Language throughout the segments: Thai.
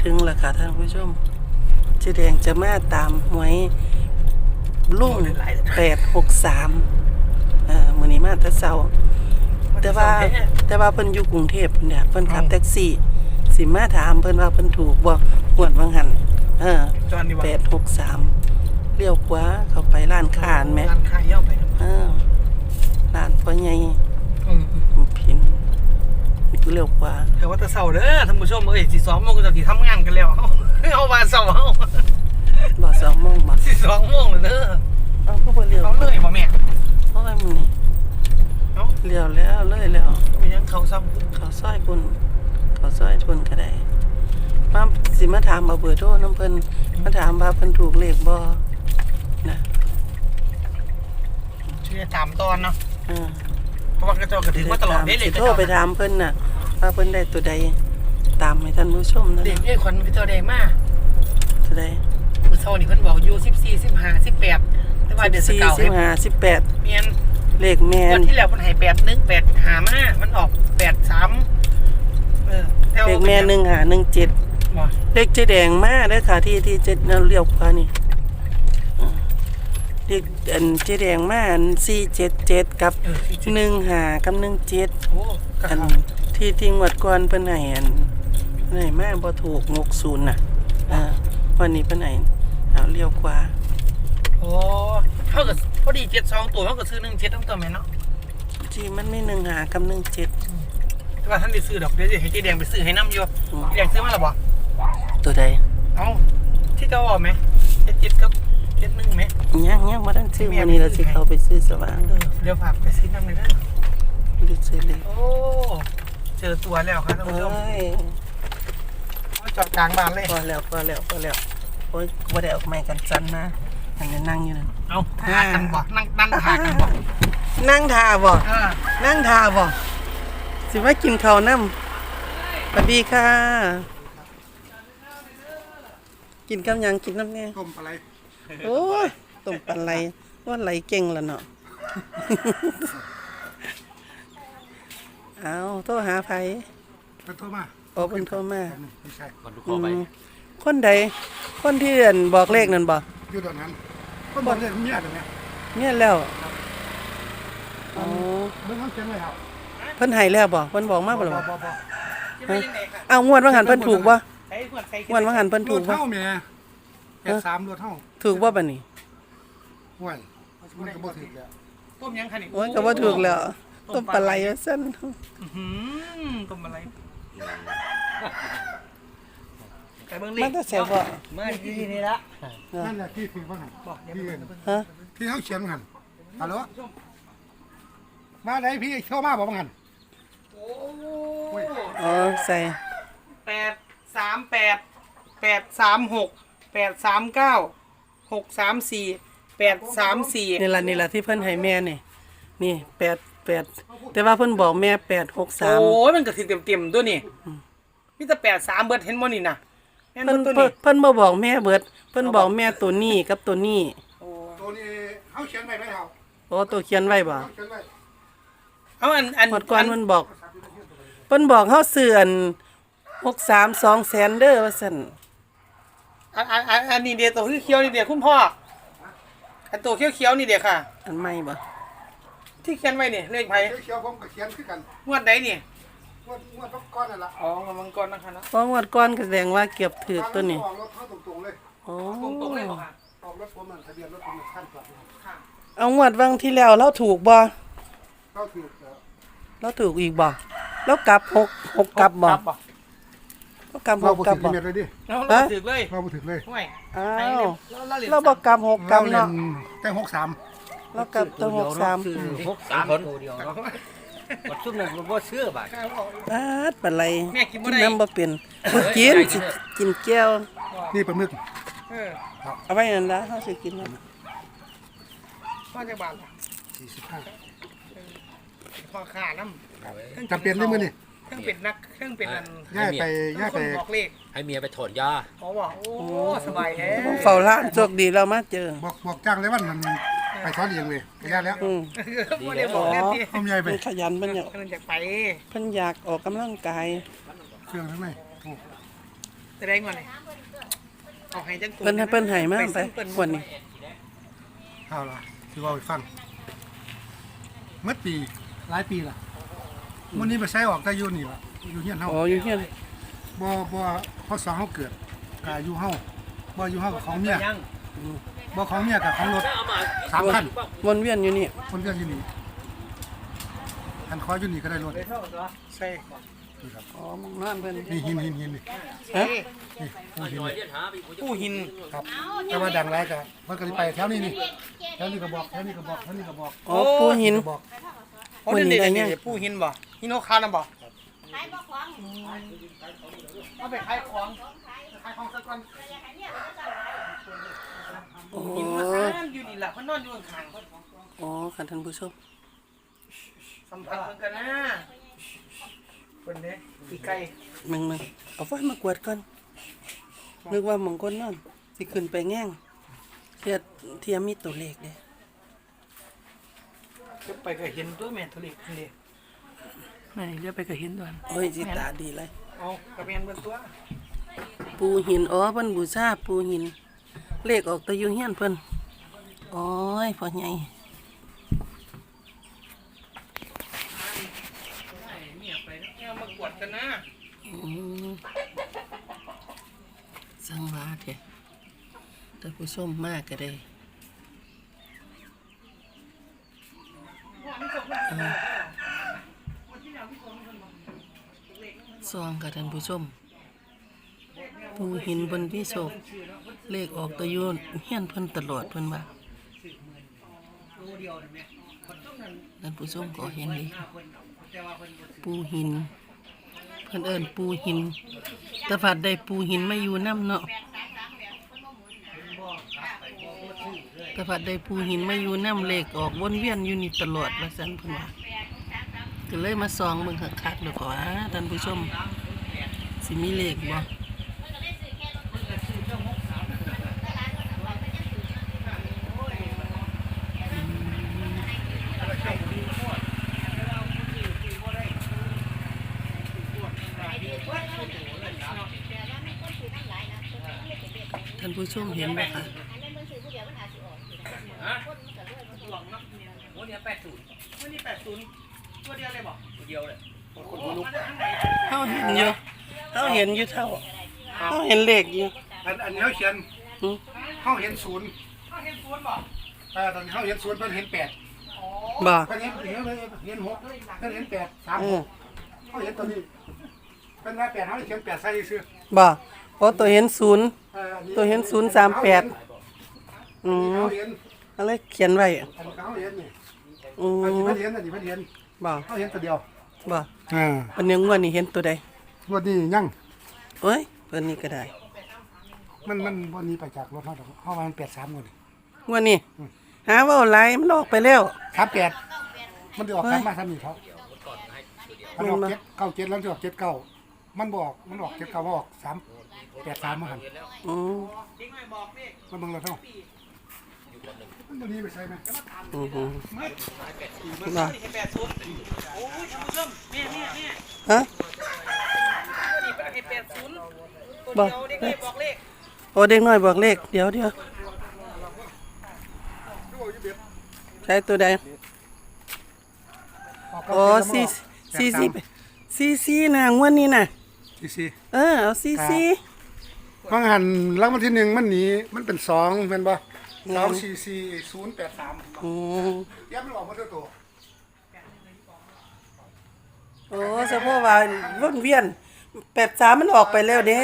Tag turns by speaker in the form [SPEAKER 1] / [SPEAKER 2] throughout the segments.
[SPEAKER 1] ถึงแล้วค่ะท่านผู้ชมเจ๊แดงจะมาตามหวยลุ่ง863มื้อนี้มาแต่เช้าแต่ว่าเพิ่นอยู่กรุงเทพพุ่นน่ะเพิ่นขับแท็กซี่สิมาถามเพิ่นว่าเพิ่นถูกบ่หวดวังหัน863เลี้ยวขวาเข้าไปร้านค้าแม่
[SPEAKER 2] ร้านค้าย่อไป
[SPEAKER 1] ร้านพ่อใหญ่พินเลี้ยวขวา
[SPEAKER 2] แต่ว่าแต่เช้าเด้อท่านผู้ชมเอ้ย2 โมงก็จะทำงานกันแล้วเอาว่าเช้าเฮา
[SPEAKER 1] บ่2 โมงบ่
[SPEAKER 2] 2 โมงเลยเด้อ
[SPEAKER 1] เอาก็บ่เลี้ยว
[SPEAKER 2] เขาเลยบ่แม่
[SPEAKER 1] เพราะว่ามื้อนี้เลี้ยวแล้วเลยแล้ว
[SPEAKER 2] มียังเขาซ้ำ
[SPEAKER 1] เขาซอยคุณเขาซอยทุนก็ได้มาสิมาถามเอาเบอร์โทรน้ำเพิ่นมาถามว่าเพิ่นถูกเลขบ่นะ
[SPEAKER 2] ชื่อถามตอนเนาะเพราะว่ากระจอกกระถึงว่าตลอดได้เลย
[SPEAKER 1] โทรไปถามเพิ่นน่ะว่าเพิ่นได้ตัวใดตามให้ท่านผู้ชมนะ
[SPEAKER 2] เด็กเอ้ยขวัญพี่ตัวใดมา
[SPEAKER 1] ตัวใด
[SPEAKER 2] มื้อเช้านี่เพิ่นบอกอยู่14 15 18แต่ว่าเดือน
[SPEAKER 1] 14 15 18
[SPEAKER 2] เมียน
[SPEAKER 1] เลขแม่น
[SPEAKER 2] วันที่แล้วเพิ่นให้81 8หามามันออก83
[SPEAKER 1] เลขแม่1517
[SPEAKER 2] บ่
[SPEAKER 1] เลขเจ๊แดงมาเด้อค่ะที่เจ๊เลี้ยวขวานี่เลขเจ๊แดงมา477กับ15กับ17
[SPEAKER 2] โอ้
[SPEAKER 1] ที่งวดก่อนเพิ่นให้ไหนมาบ่ถูก60น่ะวันนี้เพิ่นให้เอาเลี้ยวขวา
[SPEAKER 2] โอ้เท่ากับพอดี72ตัวเท่ากับซื้อ17ทั้งตัวแม่เนาะ
[SPEAKER 1] ที่มันมี15กับ17
[SPEAKER 2] แต่ว่าท่านได้ซื้อดอกเดี๋ยวให้เจ๊แดงไปซื้อให้นำอยู่เจ๊แดงซื้อมาแล้วบ่
[SPEAKER 1] ตัวใด
[SPEAKER 2] เอ้าที่เจ้าบอกมั้ย77กับ71มั้ย
[SPEAKER 1] ยังบ่ทันซื้อมื้อนี้เราสิเข้าไปซื้อสว่าง
[SPEAKER 2] เดี๋ยวฝากไปซื้อนำเลยเด้อ
[SPEAKER 1] ดูซื้อเลย
[SPEAKER 2] โอ้เจอตัวแล้วครับท่านผู้ชมจอดกลางบ้านเลย
[SPEAKER 1] พอแล้วโอ้ยบ่ได้ออกไม้กันจันนะอันนี้นั่งอยู่นั่น
[SPEAKER 2] เอาท่ากันบ่นั่งท่ากันบ่
[SPEAKER 1] นั่งท่าบ่นั่งท่าบ่สิว่ากินข้าวนำสวัสดีค่ะกินกับหยังกินน้ำแน่
[SPEAKER 2] ต้มปลาไหล
[SPEAKER 1] โอ้ยต้มปลาไหลว่าไหลเก่งแล้วเนาะเอาโทรหาไผ
[SPEAKER 2] เพิ่นโทรมา
[SPEAKER 1] โอ้เพิ่นโทรมา
[SPEAKER 2] ไม่ใช่
[SPEAKER 3] คนทุกคนไป
[SPEAKER 1] คนใดคนที่บอกเลขนั่นบ่
[SPEAKER 2] อยู่ตอนนั้นคนบอกเลขเมียตรงนี้
[SPEAKER 1] เมียแล้วอ๋อ
[SPEAKER 2] เบิ่งเขียนไว้ครับ
[SPEAKER 1] เพิ่นให้แล้วบ่เพิ่นบอกมาบ่ล่ะเอางวดว่าหันเพิ่นถูกบ่งวดว่าหันเพิ่นถูกบ่
[SPEAKER 2] เท่าแม่83รถเท่า
[SPEAKER 1] ถูกบ่บัดนี้
[SPEAKER 2] ห่วยมันก็บ่ถูกแล้วต้มยังคั่นนี่
[SPEAKER 1] โอ้ยก็บ่ถูกแล้วต้มปลาไหลว่าซั่น
[SPEAKER 2] ต้มปลาไหล
[SPEAKER 1] แต่เบิ่งเลขมันจะแซ่บบ่
[SPEAKER 3] มาที่นี่ละ
[SPEAKER 2] นั่นแหละที่ถือว่าหั่นที่เฮาเขียนหั่นฮัลโหลมาได้พี่เข้ามาบ่หั่น
[SPEAKER 1] อ๋อใส่
[SPEAKER 2] 838 836 839 634 834
[SPEAKER 1] นี่ล่ะที่เพิ่นให้แม่นี่88แต่ว่าเพิ่นบอกแม่863
[SPEAKER 2] โอ้ยมันก็สิเต็มๆตัวนี่มีแต่83เบิดเห็นบ่นี่น่ะ
[SPEAKER 1] เพิ่นบ่บอกแม่เบิดเพิ่นบอกแม่ตัวนี้กับตัวนี้
[SPEAKER 2] ตัวนี้เฮาเขียนไว้ไหมเฮา
[SPEAKER 1] โอ้ตัวเขียนไว้บ่
[SPEAKER 2] เอาอัน
[SPEAKER 1] ก่อนเพิ่นบอกเฮาซื้อ63 200,000เด้อว่าซั่น
[SPEAKER 2] อันนี้เดี๋ยวตัวเขียวนี่เดี๋ยวคุณพ่ออันตัวเขียวนี่เดี๋ยวค่ะ
[SPEAKER 1] อันใหม่บ่
[SPEAKER 2] ที่เขียนไว้นี่เลขไผเขียวผมก็เขียนคือกันงวดใดนี่งวดก้อนนั่นล่ะอ๋องวดก้อนนะคะเนาะ
[SPEAKER 1] เพราะงวดก้อนก็แสดงว่าเกือบถูกตัวนี้
[SPEAKER 2] ออกรถเข้าตรงๆเลย
[SPEAKER 1] อ๋อ
[SPEAKER 2] ตรงๆเลยบ่ค่ะออกรถผมนั่นทะเบียนรถผมขั้นกว่า
[SPEAKER 1] ค่ะเอางวดวังที่แล้วเราถูกบ่
[SPEAKER 2] เราถูก
[SPEAKER 1] เราถูกอีกบ่แล้วกลับ6กลับบ่ก็กลับ6กลับบ่
[SPEAKER 2] เราถูกเลย
[SPEAKER 1] เรา
[SPEAKER 2] บ่ถูกเลย
[SPEAKER 1] ห้วยอ้าวเราบ่กลับ6กลับเนาะ
[SPEAKER 2] แต่63
[SPEAKER 1] เรากลับตัว63
[SPEAKER 3] คนเดียวเนาะบ่ซุ่มนั่นบ่เชื่อบาด
[SPEAKER 1] ปลาไหลกินน้ำบ่เป็นกินแก้ว
[SPEAKER 2] นี่ปลาหมึก
[SPEAKER 1] เอาไว้นั่นล่ะเฮาสิกินนั่น
[SPEAKER 2] ว่าจักบาท45พอค่าน้ำจำเป็นได้มื้อนี่เครื่องเป็ดนักเครื่องเป็ดอันย่าไปบอกเลข
[SPEAKER 3] ให้เมียไปถอนยา
[SPEAKER 2] อ๋อบ่โอ้สบายแท้
[SPEAKER 1] เฝ้าร้านโชคดีเรามาเจอ
[SPEAKER 2] บอกจ้างเลยว่ามันไปถอนเองเลยย่าแล้วบ่ได้บอกแน่ติ
[SPEAKER 1] เอาใหญ่ไปขยันเพิ่นอยาก
[SPEAKER 2] ไป
[SPEAKER 1] เพิ่นอยากออกกำลังกาย
[SPEAKER 2] เครื่องทั้งไหน
[SPEAKER 4] แสดงว่าอะไรเอาให้จังตัว
[SPEAKER 1] เพิ่นให้มาไปกว่านี้
[SPEAKER 2] เอาล่ะคือว่าไปฟังเมื่อปีหลายปีล่ะมื้อนี้ไปใช้ออกแต่อยู่นี่ล่ะอยู่เฮียนเฮา
[SPEAKER 1] อ๋ออยู่เฮียน
[SPEAKER 2] บ่พศเฮาเกิดก็อยู่เฮาบ่อยู่เฮากับของเมียบ่ของเมียกับของรถ3คัน
[SPEAKER 1] วนเวียนอยู่นี่
[SPEAKER 2] คนเดียวอยู่นี่คันขออยู่นี่ก็ได้รถ
[SPEAKER 4] ใช่
[SPEAKER 2] นี่ครับ
[SPEAKER 1] อ๋อมองนั่นเพิ่น
[SPEAKER 2] นี่หินนี่
[SPEAKER 1] ฮะ
[SPEAKER 2] นี่ปูหิน
[SPEAKER 4] ผู้หิน
[SPEAKER 2] ครับแต่ว่าดังไรก็มันก็สิไปแถวนี้นี่แถวนี้ก็บอกแถวนี้ก็บอกแถวนี้ก็บอก
[SPEAKER 1] อ๋อปูหิน
[SPEAKER 2] ก็บอก
[SPEAKER 4] โอ้เด็กๆผู้หินบ่หินโนคานะบ่เอาไปขายของสักวัน
[SPEAKER 1] โอ้
[SPEAKER 4] หินมันอยู่นี่แหละมันนอนอยู่ข้าง
[SPEAKER 1] อ๋อค่ะท่านผู้ชม
[SPEAKER 4] ๆสัมผัสเหมือนกันนะคนนี้อีไก่
[SPEAKER 1] มึงเอาไฟมากวาดก่อนนึกว่าหมองคนนั่นสิขึ้นไปแง่งเทียมมีตัวเลขเด้
[SPEAKER 4] จะไปก็เห็นตัวแม่ทุเรศนี่แม่เรียกไปก็เห็นด้วย
[SPEAKER 1] โอ้ยสิตาดีเลย
[SPEAKER 4] เอากระเบนเบิ่งตัว
[SPEAKER 1] ปูหินอ๋อเพิ่นบูชาปูหิน เลขออกแตะอยู่เฮียนเพิ่นโอ้ยพ่อใหญ่
[SPEAKER 4] เมียไปแล้วมากวดกันนะ
[SPEAKER 1] อืมสังวาเถอะท่านผู้ชมมากก็ได้ซองกับท่านผู้ชมปูหินบนวิโศกเลขออกแตะอยู่เฮียนเพิ่นตลอดเพิ่นว่าท่านผู้ชมก็เห็นเลยปูหิน เพิ่นเอิ้นปูหินแต่ผัดได้ปูหินมาอยู่น้ำเนาะแต่ผัดได้ปูหินมาอยู่น้ำเลขออกวนเวียนอยู่นี่ตลอดว่าซั่นเพิ่นว่าก็เลยมาส่องเบิ่งคักๆแล้วก็ว่าท่านผู้ชมสิมีเลขบ่ท่านผู้ชมเห็นไหมคะ
[SPEAKER 3] โอ้เนี่ย80
[SPEAKER 4] วันนี้80ตัวเดียวเลยบ่
[SPEAKER 3] เดียวเลย
[SPEAKER 1] เขาเห็นอยู่เขาเห็นอยู่เท่าเขาเห็นเลขอยู่
[SPEAKER 2] อันนี้เขาเขียน
[SPEAKER 1] หือ
[SPEAKER 2] เขาเห็นศูนย์
[SPEAKER 4] เขาเห็นสวนบ่
[SPEAKER 2] ตอนนี้เขาเห็นศูนย์เพิ่นเห็น8
[SPEAKER 1] บ่
[SPEAKER 2] เพิ่นเห็น6เพิ่นเห็น8 3
[SPEAKER 1] เออ
[SPEAKER 2] 6เขาเห็นตัวนี้เพิ่นว่า8เขาเขียน8ใส่ซื่อ
[SPEAKER 1] บ่เพราะตัวเห็นศูนย์
[SPEAKER 2] อันนี้
[SPEAKER 1] ตัวเห็น038 อืม
[SPEAKER 2] เขาเห็น
[SPEAKER 1] อะไรเขียนไว้
[SPEAKER 2] อันนี้เขาเห็นนี่
[SPEAKER 1] อื
[SPEAKER 2] อันนี้
[SPEAKER 1] ม
[SPEAKER 2] เพิ่นเห็นอันนี้เพิ่นเห็น
[SPEAKER 1] บ่
[SPEAKER 2] เขาเห็นตัวเดียว
[SPEAKER 1] บ่
[SPEAKER 2] อ่า
[SPEAKER 1] อันนี้งวดนี้เห็นตัวใด
[SPEAKER 2] วันนี้ยัง
[SPEAKER 1] โอ้ยเพิ่นนี่ก็ได้
[SPEAKER 2] มันวันนี้ไปจากรถเขาดอกเขาว่ามัน83คน
[SPEAKER 1] งวดนี้หาเว้าหลายมันออกไปแล้ว
[SPEAKER 2] 38มันจะออกกลับมาทำนี่เขามันออก7 97แล้วจะออก79มันบอกมันออก79ว่าออก383มาหั่น
[SPEAKER 1] อืม
[SPEAKER 4] เด็กน้อยบอกนี่
[SPEAKER 2] มันเบิ่งแล้วเท่ามันตัวนี้ไปใส่ไหม
[SPEAKER 1] อือฮึ
[SPEAKER 4] ไม่
[SPEAKER 1] บ่
[SPEAKER 4] เห็น80โอ้ยท่านผู้ชมแม่
[SPEAKER 1] ฮะ
[SPEAKER 4] นี่ไปเห็น80ตัวเดียวเด็กน้อยบอกเลข
[SPEAKER 1] โอ้เด็กน้อยบอกเลขเดี๋ยวใช้ตัวใดโอ้ซีน่ะงวดนี้น่ะ
[SPEAKER 2] ซี
[SPEAKER 1] เอาซี
[SPEAKER 2] บางหันรางวัลที่1มันหนีมันเป็น2แม่นบ่244 083
[SPEAKER 1] อืม
[SPEAKER 2] เดี๋ยวมันออกมาเท่าตัว
[SPEAKER 1] โอ้เฉพาะว่าวนเวียน83มันออกไปแล้วเด้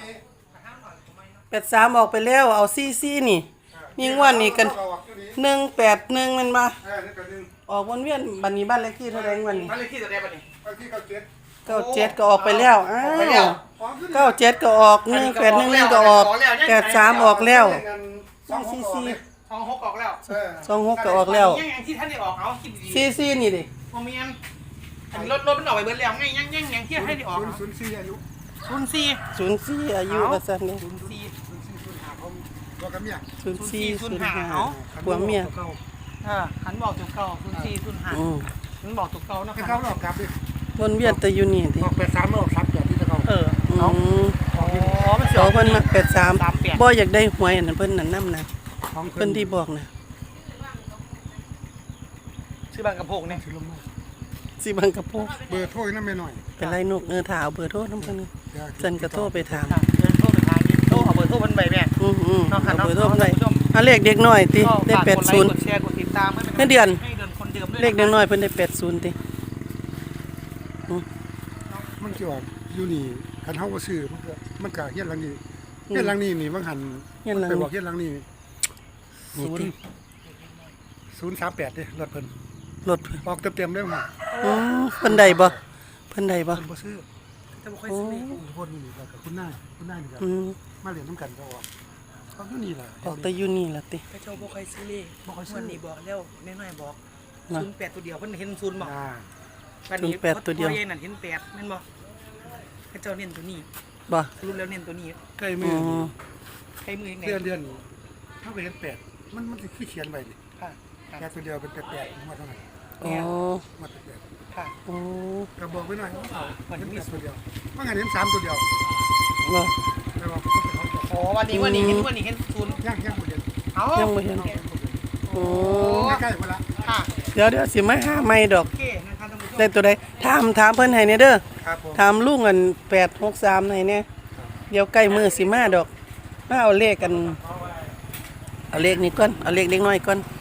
[SPEAKER 1] 83ออกไปแล้วเอาซีนี่นี่งวดนี้กัน181มันมา
[SPEAKER 2] นี่ก็นึง
[SPEAKER 1] ออกวนเวียนบัดนี้บ้านเลขที่เท่าใดงวดนี้
[SPEAKER 4] บ้านเลขที่ตัวใดบัดนี้
[SPEAKER 2] ไปที่97
[SPEAKER 1] 97ก็ออกไปแล้วอ้าว97ก็ออก1811ก็ออก83ออกแล้ว
[SPEAKER 4] ทองหกออกแล้ว
[SPEAKER 1] 26ก็ออกแล้ว
[SPEAKER 4] ยังที่ท่านได้ออกเอาคิดดี
[SPEAKER 1] ซีนี่ดิ
[SPEAKER 4] ๆบ่มีอันอันรถมันออกไปเบิดแล้วไงยังที่ให้ได้ออก
[SPEAKER 2] 04อายุ
[SPEAKER 4] 04
[SPEAKER 1] 04อายุว่าซั่นนี่
[SPEAKER 2] ตัวกับเมีย
[SPEAKER 1] 0405ผัวเมีย
[SPEAKER 4] หันบอกตัวเก่า0405
[SPEAKER 1] อืม
[SPEAKER 4] มันบอกตัวเก่านะ
[SPEAKER 2] ให้
[SPEAKER 4] ค
[SPEAKER 2] เขา
[SPEAKER 4] รับ
[SPEAKER 2] ออกกลับดิ
[SPEAKER 1] วนเวียนแต่อยู่นี่ติ
[SPEAKER 2] ออก83ออก38ที่จะเขา
[SPEAKER 4] เออ
[SPEAKER 1] อื
[SPEAKER 4] เอา
[SPEAKER 1] ม
[SPEAKER 4] อ๋อมัน
[SPEAKER 1] ขอเพิ่นมา83
[SPEAKER 4] 38
[SPEAKER 1] บ่อยากได้หวยอันนั้นเพิ่นนั่นนำนะ
[SPEAKER 2] ของ
[SPEAKER 1] เพิ่นที่บอกนะ
[SPEAKER 4] ชื่อบางกระโพกเนี่ย
[SPEAKER 2] สิลงมา
[SPEAKER 1] สิบังกะโพก
[SPEAKER 2] เบอร์โทรนำแม่หน่อย
[SPEAKER 1] เป็นไรนกถ้าเอาเบอร์โทรนำเพิ่น
[SPEAKER 2] เดี๋ยว
[SPEAKER 1] ฉันก็โทรไปถาม
[SPEAKER 4] เดินโทรไปทางนี้โทรเอาเบอร์โทรเพิ่นไปแม่ เนาะค่ะ
[SPEAKER 1] เอาเบอร์โทร
[SPEAKER 4] เนาะ
[SPEAKER 1] ไป
[SPEAKER 4] ท่านผู้ชม
[SPEAKER 1] เอาเลขเด็กน้อยติ
[SPEAKER 4] ก็
[SPEAKER 1] ได้
[SPEAKER 4] ฝากกดไลค์กด
[SPEAKER 1] 80
[SPEAKER 4] แชร์กดติดตามให้
[SPEAKER 1] เงินเดือน
[SPEAKER 4] ให้เดือนคนเดิมด้วย
[SPEAKER 1] เลขเด็กน้อยเพิ่นได้80ติ
[SPEAKER 2] มันสิออกอยู่นี่คันเฮาบ่ซื้อมันก็เฮียนหลังนี้เฮียนหลังนี้นี่บางหัน
[SPEAKER 1] เฮียนหลัง
[SPEAKER 2] ไป
[SPEAKER 1] นี้
[SPEAKER 2] บอกเฮียนหลังนี้
[SPEAKER 1] นี่ติ
[SPEAKER 2] 038เด้รถเพิ่น
[SPEAKER 1] รถเพิ่น
[SPEAKER 2] ออกเต็มๆเลยว่า
[SPEAKER 1] เพิ่นได้บ่เพิ่นได้บ่
[SPEAKER 2] เพิ่นบ่ซื้อ
[SPEAKER 4] จะบ่ค่อยซื้อเลข
[SPEAKER 2] คนนี่ก็คุณนายนี่ก็
[SPEAKER 1] อืม
[SPEAKER 2] มาเรียนนํกันก็ออกออกอยู่นี่ล่ะ
[SPEAKER 1] ออกแต่อยู่นี่ล่ะติ
[SPEAKER 4] กระเจ้าบ่ค่อยซื้อเลข
[SPEAKER 2] บ่ค่อยซื้อ
[SPEAKER 4] วันนี้บอกแล้วแม่น้อยบอก
[SPEAKER 1] นะ
[SPEAKER 4] 08ตัวเดียวเพิ่นเห็น0บอก
[SPEAKER 2] อ่า
[SPEAKER 4] วันนี้
[SPEAKER 1] 08ตัวเดียว
[SPEAKER 4] พ่อใหญ่นั่นเห็น8แม่นบ่กระเจ้าเน้นตัวนี้
[SPEAKER 1] บ่
[SPEAKER 4] สรุปแล้วเน้นตัวนี้
[SPEAKER 2] ใกล้
[SPEAKER 1] อื
[SPEAKER 2] มือ
[SPEAKER 1] ม
[SPEAKER 4] ใช้มือยังไง
[SPEAKER 2] เดือนเฮาไปเห็น8มันสิคือเขียนไว้นี่
[SPEAKER 4] ค่ะ
[SPEAKER 2] แค่ตัวเดียวเป็น8มาเท่าไหร่
[SPEAKER 1] อ๋อ
[SPEAKER 2] มา8
[SPEAKER 4] ค่ะ
[SPEAKER 1] โอ้
[SPEAKER 2] ก็บอกไว้หน่อยว่าเอาเห็น8ตัวเดียวว่างั้นเห็น3ตัวเดียว
[SPEAKER 1] บ่
[SPEAKER 2] แต่ว่าเขาจะ
[SPEAKER 4] โอ้วันนี้เห็นวันนี้เห็น0
[SPEAKER 2] ย่างบ่เห็น
[SPEAKER 4] เอ้า
[SPEAKER 1] ยังบ่เห็นโอ้
[SPEAKER 2] ใกล้ๆมาละ
[SPEAKER 4] ค่ะ
[SPEAKER 1] เดี๋ยวสิมาหาใหม่ดอก
[SPEAKER 4] โอเคนะคะท่านผู้ชม
[SPEAKER 1] ได้ตัวใดถามเพิ่นให้แน่เด้อ
[SPEAKER 2] ครับผม
[SPEAKER 1] ถามลุงอัน863ให้แน่เดี๋ยวใกล้มื้อสิมาดอกมาเอาเลขกันเอาเลขนี้ก่อนเอาเลขเด็กน้อยก่อน